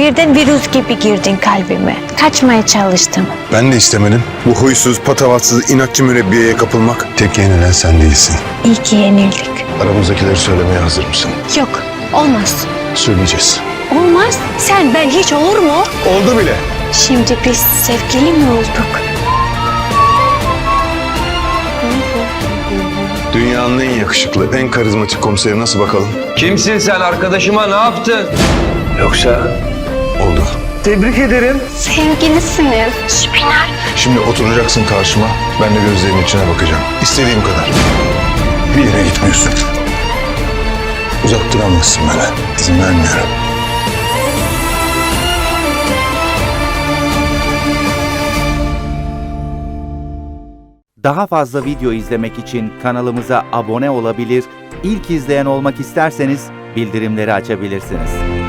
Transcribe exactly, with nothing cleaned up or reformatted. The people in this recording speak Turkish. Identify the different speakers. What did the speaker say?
Speaker 1: Birden virüs gibi girdin kalbime. Kaçmaya çalıştım.
Speaker 2: Ben de istemedim. Bu huysuz, patavatsız, inatçı mürebbiyeye kapılmak. Tek yenilen sen değilsin.
Speaker 1: İyi ki yenildik.
Speaker 2: Aramızdakileri söylemeye hazır mısın?
Speaker 1: Yok, olmaz.
Speaker 2: Söyleyeceğiz.
Speaker 1: Olmaz. Sen ben hiç olur mu?
Speaker 2: Oldu bile.
Speaker 1: Şimdi biz sevgili mi olduk?
Speaker 2: Dünyanın en yakışıklı, en karizmatik komiseri nasıl bakalım?
Speaker 3: Kimsin sen? Arkadaşıma ne yaptın? Yoksa
Speaker 2: Oldu.
Speaker 3: tebrik ederim.
Speaker 1: Sevgilisiniz. Şüpheler.
Speaker 2: Şimdi oturacaksın karşıma, ben de gözlerinin içine bakacağım. İstediğim kadar. Bir yere gitmiyorsun. Uzak duramazsın bana. İzin vermiyorum.
Speaker 4: Daha fazla video izlemek için kanalımıza abone olabilir, ilk izleyen olmak isterseniz bildirimleri açabilirsiniz.